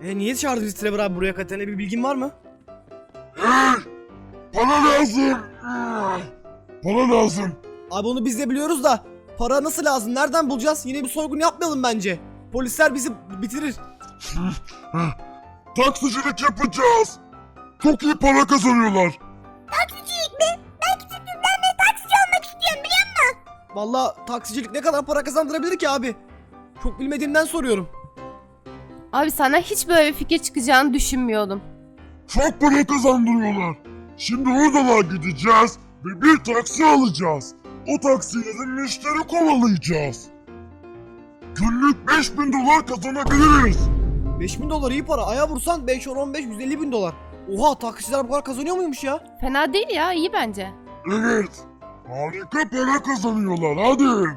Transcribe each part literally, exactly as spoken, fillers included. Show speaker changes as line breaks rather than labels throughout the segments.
E niye çağırdı bizi Trevor abi buraya Katerina, bir bilgin var mı?
Hey! Para lazım! Para lazım!
Abi onu biz de biliyoruz da para nasıl lazım, nereden bulacağız? Yine bir soygun yapmayalım bence. Polisler bizi bitirir.
Taksicilik yapacağız! Çok iyi para kazanıyorlar!
Taksicilik mi? Ben küçüklüğümden beri taksici olmak istiyorum biliyor musun?
Vallahi taksicilik ne kadar para kazandırabilir ki abi? Çok bilmediğimden soruyorum.
Abi senden hiç böyle bir fikir çıkacağını düşünmüyordum.
Çok para kazandırıyorlar! Şimdi oradan gideceğiz ve bir taksi alacağız. O taksiyle de müşteri kovalayacağız. Günlük beş bin dolar kazanabiliriz.
beş bin dolar iyi para. Aya vursan beş, on, on beş, yüz elli bin dolar. Oha, taksiciler bu kadar kazanıyor muymuş ya?
Fena değil ya, iyi bence.
Evet. Harika para kazanıyorlar, hadi.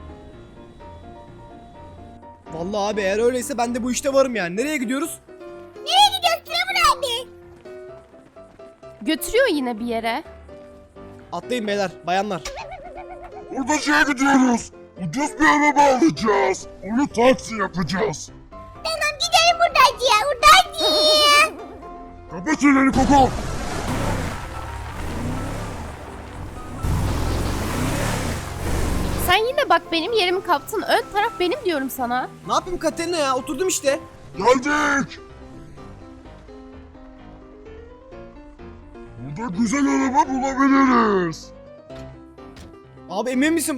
Vallahi abi eğer öyleyse ben de bu işte varım yani. Nereye gidiyoruz?
Nereye gidiyoruz Trevor abi?
Götürüyor yine bir yere.
Atlayın beyler, bayanlar.
Hurdacıya gidiyoruz. Ucuz bir araba alacağız. Onu taksi yapacağız.
Tamam gidelim hurdacıya hurdacıya.
Kapat çeneni Koko.
Sen yine bak benim yerimi kaptın. Ön taraf benim diyorum sana.
Ne yapayım Katerina ya, oturdum işte.
Geldik. Burada güzel araba bulabiliriz.
Abi emin misin?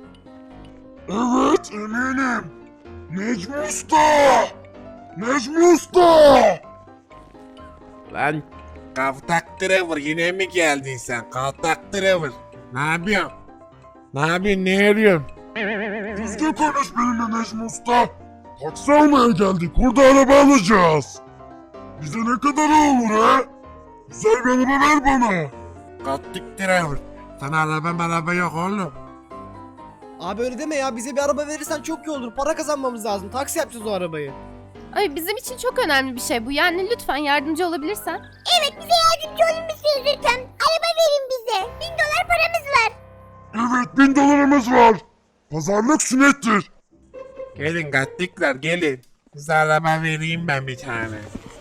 Evet eminim. Necmi Usta. Necmi Usta.
Lan Kaltak Trevor, yine mi geldin sen? Kaltak Trevor. Ne yapıyorsun? Ne yapıyorsun? Ne arıyorsun?
Düzgün konuş benimle Necmi Usta. Taksi almaya geldik. Burada araba alacağız. Bize ne kadar olur ha? Güzel bir araba ver bana.
Kaltak Trevor. Sana araba araba yok oğlum.
Abi öyle deme ya, bize bir araba verirsen çok iyi olur. Para kazanmamız lazım. Taksi yapacağız o arabayı.
Ay bizim için çok önemli bir şey bu. Yani lütfen yardımcı olabilirsen.
Evet bize yardımcı olur musunuz lütfen? Araba verin bize. Bin dolar paramız var.
Evet bin dolarımız var. Pazarlık sünnettir.
Gelin katlikler gelin. Size araba vereyim ben bir tane.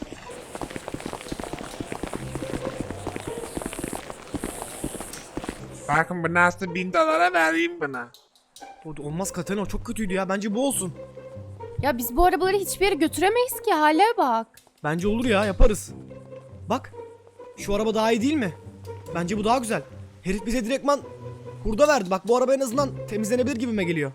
Bakın bu nasıl bin dolara vereyim buna.
O olmaz Katerina, o çok kötüydü ya. Bence bu olsun.
Ya biz bu arabaları hiçbir yere götüremeyiz ki, hale bak.
Bence olur ya, yaparız. Bak, şu araba daha iyi değil mi? Bence bu daha güzel. Herif bize direktman hurda verdi. Bak bu araba en azından temizlenebilir gibime geliyor.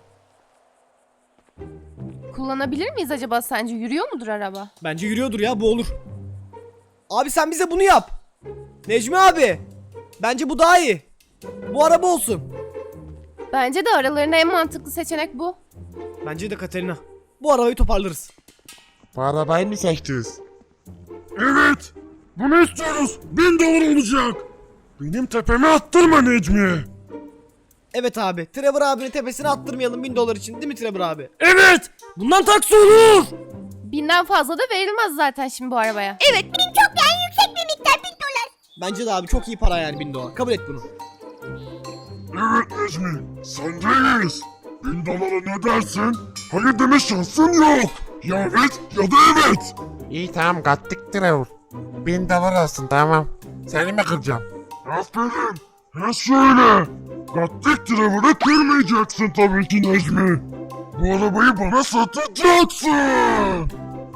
Kullanabilir miyiz acaba sence? Yürüyor mudur araba?
Bence yürüyordur ya, bu olur. Abi sen bize bunu yap. Necmi abi. Bence bu daha iyi. Bu araba olsun.
Bence de aralarında en mantıklı seçenek bu.
Bence de Katerina. Bu arabayı toparlarız.
Bu arabayı mı seçtiniz?
Evet. Bunu istiyoruz. Bin dolar olacak. Benim tepeme attırma Necmi.
Evet abi. Trevor abinin tepesine attırmayalım bin dolar için, değil mi Trevor abi? Evet. Bundan taksi olur.
Binden fazla da verilmez zaten şimdi bu arabaya.
Evet benim çok yani yüksek bir miktar bin dolar.
Bence de abi çok iyi para yani bin dolar. Kabul et bunu.
Evet Necmi. Sendeyiz. Bin dolara ne dersin? Hayır deme şansın yok. Ya evet ya da evet.
İyi tamam katlik Trevor. Bin dolar olsun tamam. Seni mi kıracağım?
Aferin. Ha şöyle. Gattik Trevor'ı kırmayacaksın tabii ki Necmi. Bu arabayı bana satacaksın.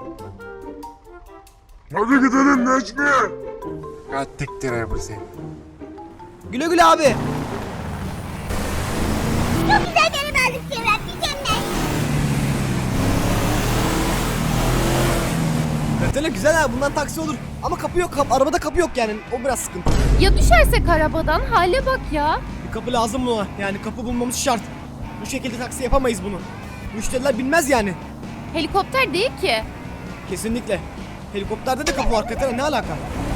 Hadi gidelim Necmi.
Katlik Trevor sen.
Güle güle abi.
Çok güzel bir araba aldık Trevor abi mükemmel.
Katerina güzel ha, bundan taksi olur. Ama kapı yok. Kap arabada kapı yok yani. O biraz sıkıntı.
Ya düşersek arabadan, hale bak ya.
Bir kapı lazım buna. Yani kapı bulmamız şart. Bu şekilde taksi yapamayız bunu. Müşteriler bilmez yani.
Helikopter değil ki.
Kesinlikle. Helikopterde de kapı var Katerina, ne alaka?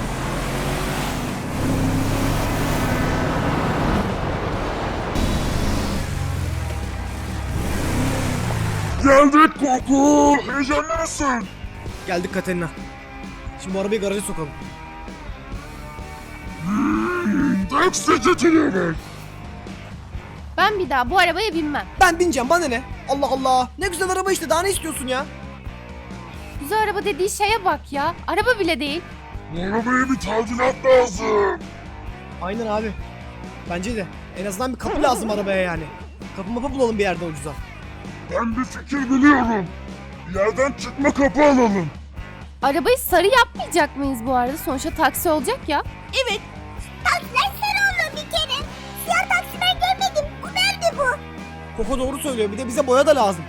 Geldik Koku. Heyecanlı mısın?
Geldik Katerina. Şimdi bu arabayı garaja sokalım.
Hmm, taksici Trevor.
Ben bir daha bu arabaya binmem.
Ben bineceğim, bana ne? Allah Allah. Ne güzel araba işte, daha ne istiyorsun ya?
Güzel araba dediği şeye bak ya. Araba bile değil.
Bu arabaya bir tadilat lazım.
Aynen abi. Bence de. En azından bir kapı lazım arabaya yani. Kapı mapı bulalım bir yerde ucuza.
Ben bir fikir biliyorum. Bir yerden çıkma kapı alalım.
Arabayı sarı yapmayacak mıyız bu arada? Sonuçta taksi olacak ya.
Evet. Taksiler sarı olur bir kere. Siyah taksi ben görmedim. Bu nerede bu?
Koko doğru söylüyor. Bir de bize boya da lazım.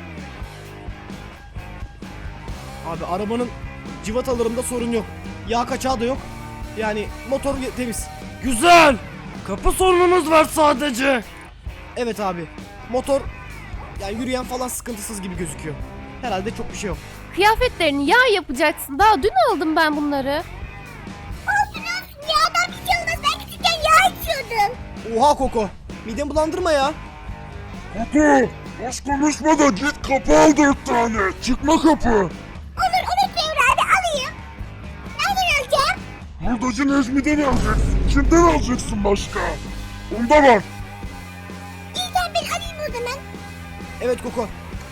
Abi arabanın cıvatalarında sorun yok. Yağ kaçağı da yok. Yani motor ye- temiz. Güzel. Kapı sorunumuz var sadece. Evet abi. Motor yani yürüyen falan sıkıntısız gibi gözüküyor. Herhalde çok bir şey yok.
Kıyafetlerini yağ yapacaksın. Daha dün aldım ben bunları.
Olsun olsun. Yağdan bir şey olmaz. Ben küçükken yağ içiyordum.
Oha Koko. Midemi bulandırma ya.
Koko, boş konuşma da git kapı al dört tane. Çıkma kapı.
Olur olur Trevor abi alayım. Nereden alacağım?
Hurdacı Necmi'den alacaksın. Kimden alacaksın başka? Onda var.
İyi sen ben alayım o zaman.
Evet Koko.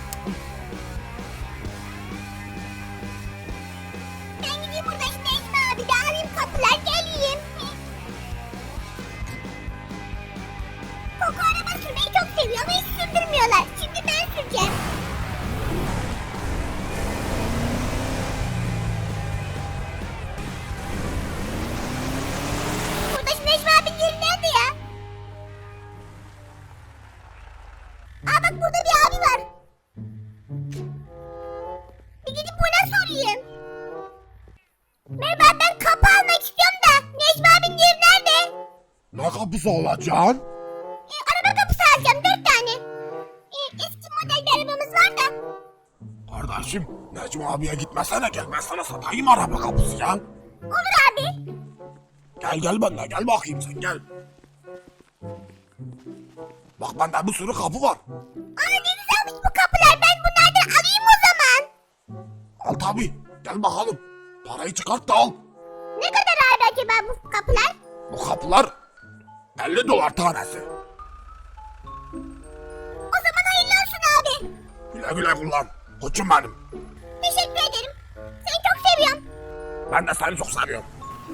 Ben gideyim burada şimdi Necmi abi de alayım kapılar geleyim. Koko araba sürmeyi çok seviyor ama hiç sürdürmüyorlar. Şimdi ben süreceğim. Burada şimdi Necmi abinin yeri nerede ya? Aa bak burada bir abi var. Bir gidip buna sorayım. Merhaba ben kapı almak istiyorum da Necmi abinin yeri nerede?
Ne kapısı alacaksın?
E, araba kapısı alacağım dört tane. E, eski model bir arabamız var da.
Kardeşim, Necmi abiye gitmesene gel. Ben sana satayım araba kapısı ya.
Olur abi.
Gel gel benimle gel bakayım sen gel. Bak bende bir sürü kapı var.
Aa ne güzelmiş bu kapılar ben bunlardan alayım o zaman.
Al tabi. Gel bakalım. Parayı çıkart da al.
Ne kadar abi acaba bu kapılar?
Bu kapılar elli dolar tanesi.
O zaman hayırlı olsun abi.
Güle güle kullan. Koçum benim.
Teşekkür ederim. Seni çok seviyorum.
Ben de seni çok seviyorum.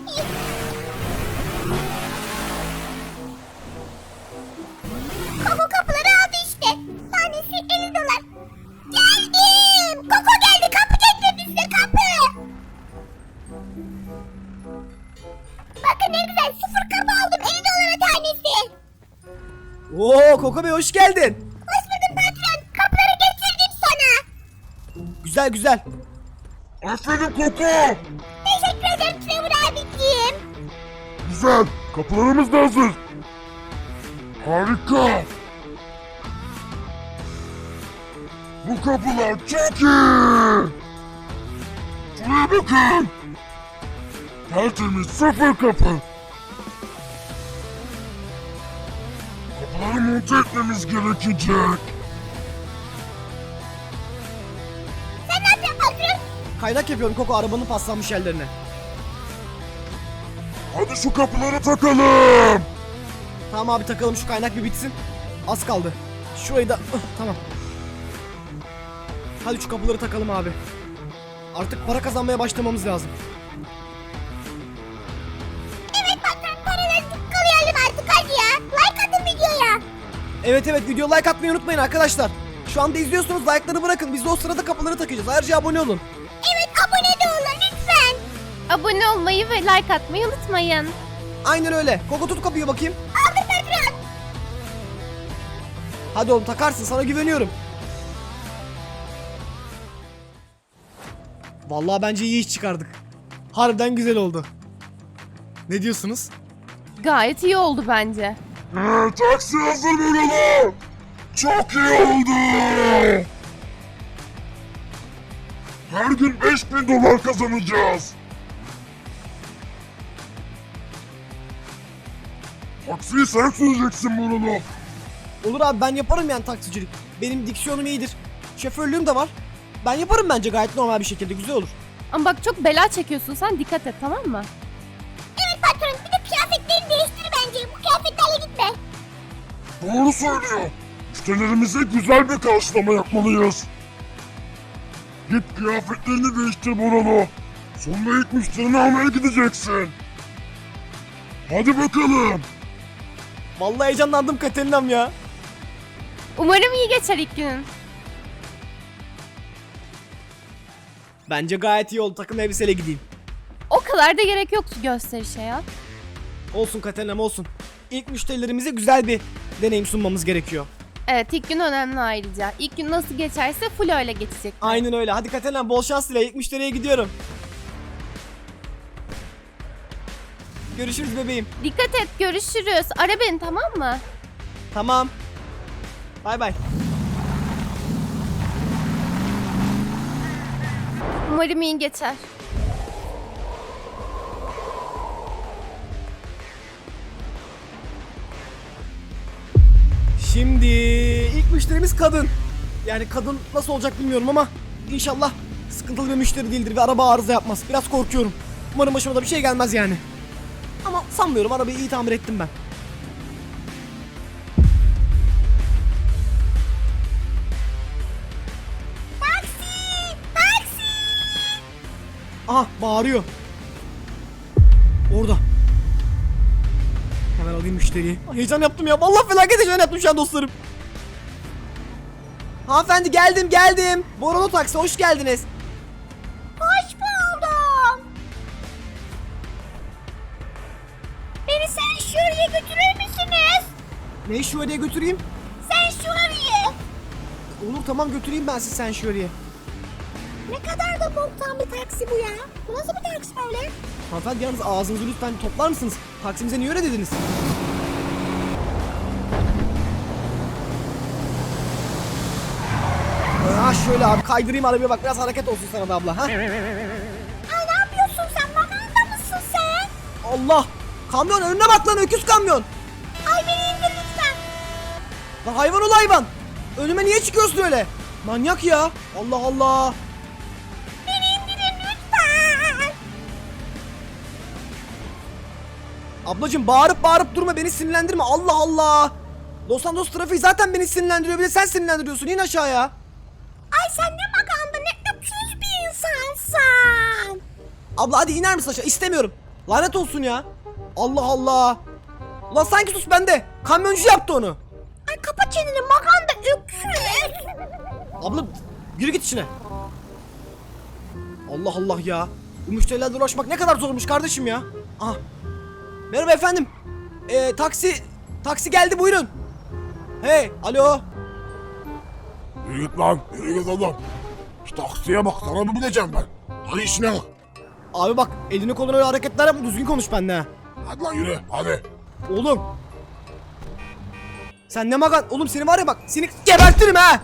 Koko kapıları aldı işte. Tanesi elli dolar. Geldim. Koko geldi. Kapı getirdi size kapı. Bakın ne güzel. Sıfır kapı aldım. elli dolara tanesi.
Oo Koko Bey hoş geldin.
Hoş bulduk patron. Kapıları getirdim sana.
Güzel güzel.
Aferin Koko.
Teşekkür ederim Trevor abiciğim.
Güzel. Kapılarımız da hazır. Harika. Bu kapılar çok iyi. Şuraya bakın. Tertemiz sıfır kapı. Kapıları monte etmemiz gerekecek.
Sen ne yapıyorsun patron?
Kaynak yapıyorum Koko arabanın paslanmış yerlerine.
Hadi şu kapıları takalım.
Tamam abi takalım şu kaynak bir bitsin. Az kaldı. Şurayı da ıh, tamam. Hadi şu kapıları takalım abi. Artık para kazanmaya başlamamız lazım.
Evet patron paraları tıkkalayalım artık hadi ya. Like atın videoya.
Evet evet video like atmayı unutmayın arkadaşlar. Şu anda izliyorsunuz like'ları bırakın. Biz de o sırada kapıları takacağız. Ayrıca abone olun.
Evet abone de olun lütfen.
Abone olmayı ve like atmayı unutmayın.
Aynen öyle. Koko tut kapıyı bakayım.
Aldım patron.
Hadi oğlum takarsın sana güveniyorum. Vallahi bence iyi iş çıkardık. Harbiden güzel oldu. Ne diyorsunuz?
Gayet iyi oldu bence.
Ee, taksi hazır burada. Çok iyi oldu. Her gün beş bin dolar kazanacağız. Taksiyi sen süreceksin Bruno.
Olur abi ben yaparım yani taksicilik. Benim diksiyonum iyidir. Şoförlüğüm de var. Ben yaparım bence gayet normal bir şekilde güzel olur.
Ama bak çok bela çekiyorsun sen, dikkat et, tamam mı?
Evet patron bir de kıyafetlerini değiştir bence. Bu kıyafetlerle gitme.
Doğru söylüyor. Müşterilerimize güzel bir karşılama yapmalıyız. Git kıyafetlerini değiştir Boralo. Sonra ilk müşterini almaya gideceksin. Hadi bakalım.
Vallahi heyecanlandım Katerinam ya.
Umarım iyi geçer ilk günün.
Bence gayet iyi oldu, takım elbiseyle gideyim.
O kadar da gerek yoktu gösterişe ya.
Olsun Katerinam olsun. İlk müşterilerimize güzel bir deneyim sunmamız gerekiyor.
Evet, ilk gün önemli ayrıca. İlk gün nasıl geçerse full öyle geçecek.
Aynen öyle. Hadi Katerinam bol şans dile. İlk müşteriye gidiyorum. Görüşürüz bebeğim.
Dikkat et, görüşürüz. Ara beni, tamam mı?
Tamam. Bay bay.
Umarım iyi geçer.
Şimdi ilk müşterimiz kadın. Yani kadın nasıl olacak bilmiyorum ama inşallah sıkıntılı bir müşteri değildir ve araba arıza yapmaz. Biraz korkuyorum. Umarım başıma da bir şey gelmez yani. Ama sanmıyorum, arabayı iyi tamir ettim ben.
Taksi! Taksi!
Aha bağırıyor. Orada. Hemen alayım müşteriyi. Ay, heyecan yaptım ya. Vallahi felaket heyecan yaptım şu an dostlarım. Hanımefendi geldim geldim. Borolo Taksi hoş geldiniz.
Hoş buldum. Beni sen şuraya götürür müsünüz?
Neyi şuraya götüreyim?
Sen şuraya.
Olur tamam, götüreyim ben sizi sen şuraya.
Ne kadar da boktan bir taksi bu ya. Bu nasıl bir taksi böyle?
Hanımefendi yalnız ağzınızı lütfen toplar mısınız? Taksimize niye öyle dediniz? Ha şöyle abi kaydırayım arabaya, bak biraz hareket olsun sana da abla. Ha?
Ay ne yapıyorsun sen? Maganda mısın sen?
Allah! Kamyon önüne bak lan, öküz kamyon!
Ay beni indir lütfen.
Lan hayvan ol hayvan! Önüme niye çıkıyorsun öyle? Manyak ya! Allah Allah!
Beni indirin lütfen.
Ablacım bağırıp bağırıp durma, beni sinirlendirme, Allah Allah! Los Santos trafiği zaten beni sinirlendiriyor, bir de sen sinirlendiriyorsun, in aşağıya!
Ay sen ne maganda ne öpsüz bir insansın.
Abla hadi iner misin aşağı? İstemiyorum. Lanet olsun ya. Allah Allah. Ulan sanki sus bende. Kamyoncu yaptı onu.
Ay kapa çeneni maganda öpsüz.
Abla yürü git içine. Allah Allah ya. Bu müşterilerle uğraşmak ne kadar zormuş kardeşim ya. Aha. Merhaba efendim. Ee, taksi taksi geldi, buyurun. Hey, alo.
Yürü git lan. Yürü git adam. Şu taksiye bak, sana mı bileceğim ben? Hadi işine bak.
Abi bak, elini kolunu öyle hareketler yapma, düzgün konuş benimle ha.
Hadi lan yürü hadi.
Oğlum. Sen ne magan? Oğlum seni var ya bak, seni gebertirim ha.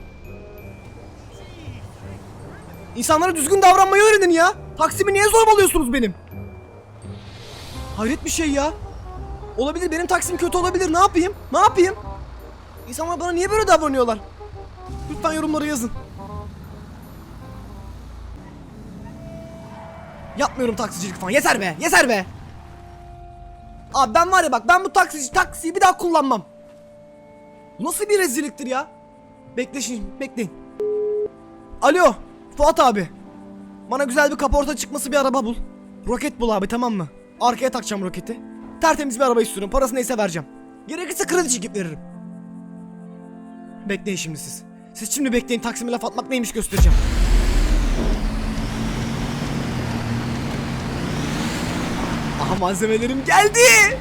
İnsanlara düzgün davranmayı öğrenin ya. Taksimi niye zorbalıyorsunuz benim? Hayret bir şey ya. Olabilir, benim taksim kötü olabilir, ne yapayım? Ne yapayım? İnsanlar bana niye böyle davranıyorlar? Lütfen yorumlara yazın. Yapmıyorum taksicilik falan, yeter be, yeter be. Abi ben var ya bak, ben bu taksici taksiyi bir daha kullanmam. Bu nasıl bir rezilliktir ya? Bekle şimdi, bekleyin. Alo, Fuat abi. Bana güzel bir kaporta çıkması bir araba bul. Roket bul abi, tamam mı? Arkaya takacağım roketi. Tertemiz bir araba istiyorum, parası neyse vereceğim. Gerekirse kredi çekip veririm. Bekleyin şimdi siz. Siz şimdi bekleyin, Taksim'e laf atmak neymiş göstereceğim. Aha malzemelerim geldi.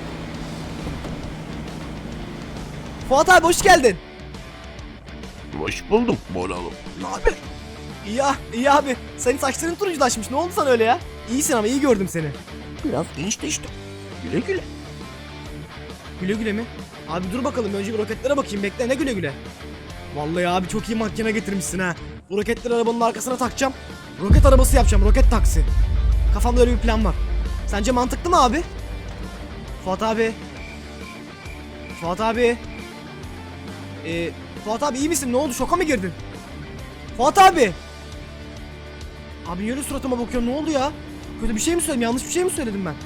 Fuat abi hoş geldin.
Hoş buldum Boralo.
Ne haber? İyi ya, iyi abi. Senin saçların turunculaşmış. Ne oldu sana öyle ya? İyisin ama iyi gördüm seni.
Biraz gençleştim. Güle güle.
Güle güle mi? Abi dur bakalım, önce bir roketlere bakayım, bekle, ne güle güle. Vallahi abi çok iyi makine getirmişsin ha. Bu roketleri arabanın arkasına takacağım. Roket arabası yapacağım, roket taksi. Kafamda öyle bir plan var. Sence mantıklı mı abi? Fuat abi. Fuat abi. Ee, Fuat abi iyi misin? Ne oldu? Şoka mı girdin? Fuat abi. Abi niye öyle suratıma bakıyorsun? Ne oldu ya? Kötü bir şey mi söyledim? Yanlış bir şey mi söyledim ben?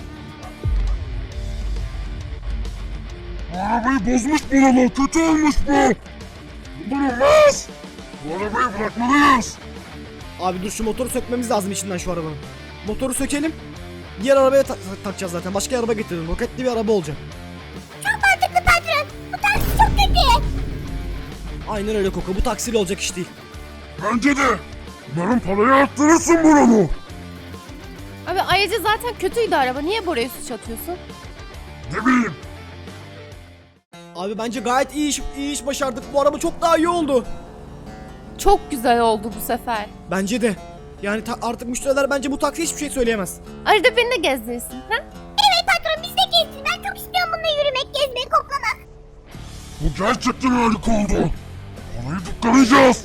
Bu arabayı bozmuş Boralo. Kötü olmuş bu. Bundan olmaz. Bu arabayı bırakmalıyız.
Abi dur şu motoru sökmemiz lazım içinden şu arabanın. Motoru sökelim. Diğer arabaya ta- ta- takacağız zaten. Başka araba getirdim. Roketli bir araba olacak.
Çok mantıklı patron. Bu taksi çok kötü.
Aynen öyle Koko. Bu taksiyle olacak iş değil.
Bence de. Umarım parayı arttırırsın buranı.
Abi ayrıca zaten kötüydü araba. Niye Bora'ya suç atıyorsun?
Ne bileyim.
Abi bence gayet iyi iş, iyi iş başardık. Bu araba çok daha iyi oldu.
Çok güzel oldu bu sefer.
Bence de. Yani ta- artık müşteriler bence bu taksiye hiçbir şey söyleyemez.
Arada beni de gezdirirsin. Ha?
Evet patron biz de gezsin. Ben çok istiyorum bununla yürümek, gezmek, koklamak.
Bu gerçekten harika oldu. Parayı tıklayacağız.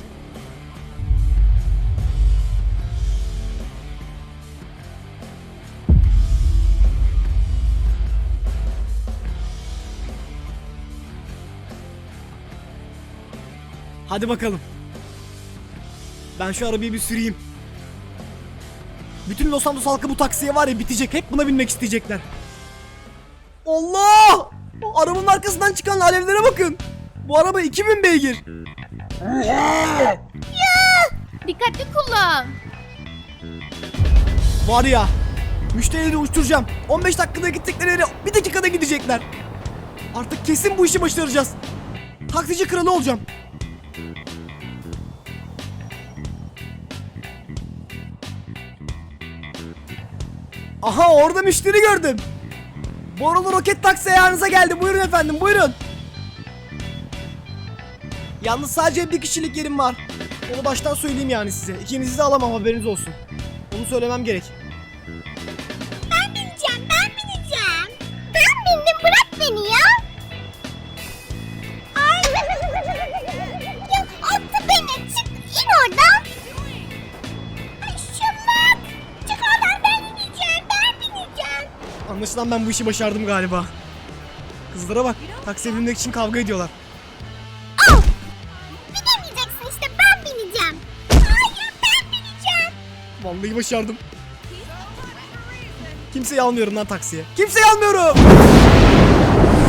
Hadi bakalım. Ben şu arabayı bir süreyim. Bütün Los Santos halkı bu taksiye var ya bitecek. Hep buna binmek isteyecekler. Allah! Arabanın arkasından çıkan alevlere bakın. Bu araba iki bin beygir.
Oha!
Dikkatli kullan.
Var ya. Müşterileri uçturacağım. on beş dakikada gittikleri yere bir dakikada gidecekler. Artık kesin bu işi başaracağız. Taksici kralı olacağım. Aha orada müşteri gördüm. Borulu roket taksi ayağınıza geldi. Buyurun efendim buyurun. Yalnız sadece bir kişilik yerim var. Onu baştan söyleyeyim yani size. İkinizi de alamam haberiniz olsun. Onu söylemem gerek.
Ben bineceğim, ben bineceğim. Ben bindim, bırak beni ya. Ay. Ya attı beni, çık, in oradan. Ay şımarık. Çık oradan, ben bineceğim, ben bineceğim.
Anlaşılan ben bu işi başardım galiba. Kızlara bak. Taksiye binmek için kavga ediyorlar.
Al. Binemeyeceksin işte, ben bineceğim. Hayır, ben bineceğim.
Vallahi başardım. Kimseyi almıyorum lan taksiye. Kimseyi almıyorum.